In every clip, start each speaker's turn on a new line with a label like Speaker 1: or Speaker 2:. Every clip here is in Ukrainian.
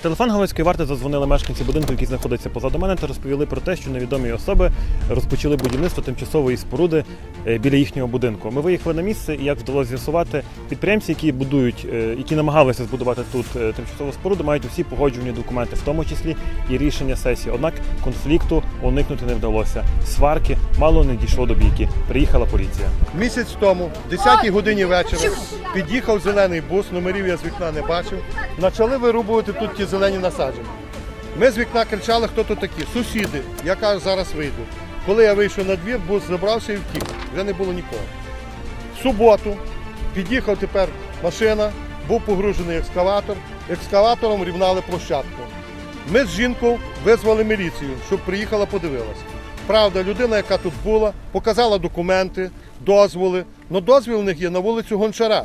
Speaker 1: телефон Галицької варти задзвонили мешканці будинку, який знаходиться позаду мене, та розповіли про те, що невідомі особи розпочали будівництво тимчасової споруди біля їхнього будинку. Ми виїхали на місце і, як вдалося з'ясувати, підприємці, які намагалися збудувати тут тимчасову споруду, мають усі погоджувальні документи, в тому числі і рішення сесії. Однак конфлікту уникнути не вдалося. Сварки мало не дійшло до бійки. Приїхала поліція.
Speaker 2: Місяць тому, в 10-й годині вечора, під'їхав зелений бус, номерів я з вікна не бачив. Почали вирубувати тут ті зелені насадження. Ми з вікна кричали, хто тут такі. Сусіди. Я кажу, зараз вийду. Коли я вийшов на двір, бус забрався і втік. Вже не було нікого. В суботу під'їхав тепер машина, був погружений екскаватор. Екскаватором рівнали площадку. Ми з жінкою визвали міліцію, щоб приїхала, подивилася. Правда, людина, яка тут була, показала документи, дозволи. Но дозвіл у них є на вулицю Гончара.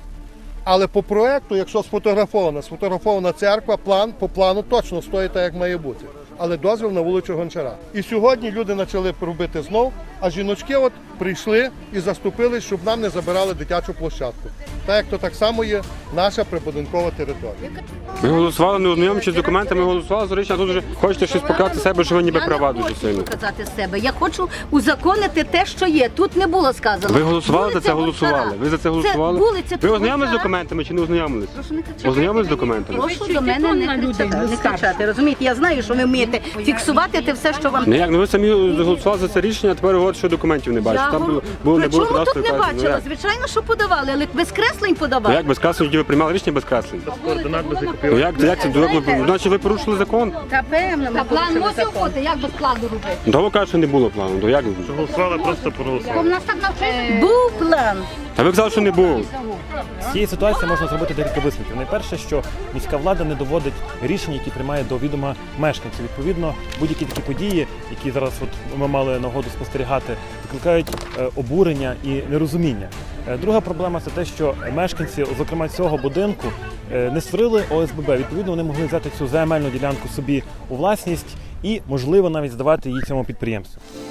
Speaker 2: Але по проєкту, якщо сфотографована церква, по плану точно стоїть так, як має бути. Але дозвіл на вулицю Гончара. І сьогодні люди почали робити знов, а жіночки прийшли і заступились, щоб нам не забирали дитячу площадку. Так як то так само є наша прибудинкова територія.
Speaker 3: Ми голосували, не ознайомлюючись з документами, голосували, Зорична, а тут вже хочете щось показати себе, що ви ніби права дуже сильно.
Speaker 4: Я не хочу показати себе, я хочу узаконити те, що є. Тут не було сказано.
Speaker 3: Ви голосували за це, голосували? Ви за це голосували? Ви ознайомились з документами чи не ознайомились?
Speaker 4: Прошу не кричати.
Speaker 3: Ознайомились з документами?
Speaker 4: Прошу до мене не кричати, розумієте? Я знаю, що ви вмієте фіксувати те все, що вам...
Speaker 3: Не як, ну ви самі голосували за це рішення, а тепер говорите, що документів не бачите. Там не було
Speaker 4: Чому
Speaker 3: кадастрової
Speaker 4: тут не
Speaker 3: карти.
Speaker 4: бачила? Звичайно, що подавали, але без креслень
Speaker 3: Ну
Speaker 4: подавали.
Speaker 3: як без креслень, тоді ви приймали рішення без креслень?
Speaker 1: Координат без
Speaker 3: Ну як це? Значить ви порушили закон?
Speaker 4: Та певно, ми
Speaker 5: План
Speaker 4: порушили
Speaker 5: мусив
Speaker 4: закон.
Speaker 5: бути, як без плану робити.
Speaker 3: Ну ви кажете, що не було плану, то як?
Speaker 1: Голосували, просто проголосували.
Speaker 5: У нас так навчили.
Speaker 4: Був план.
Speaker 3: Та ви казали, що не було.
Speaker 1: З цієї ситуації можна зробити декілька висновків. Найперше, що міська влада не доводить рішень, які приймає до відома мешканців. Відповідно, будь-які такі події, які зараз ми мали нагоду спостерігати, викликають обурення і нерозуміння. Друга проблема – це те, що мешканці, зокрема цього будинку, не створили ОСББ. Відповідно, вони могли взяти цю земельну ділянку собі у власність і, можливо, навіть здавати її цьому підприємству.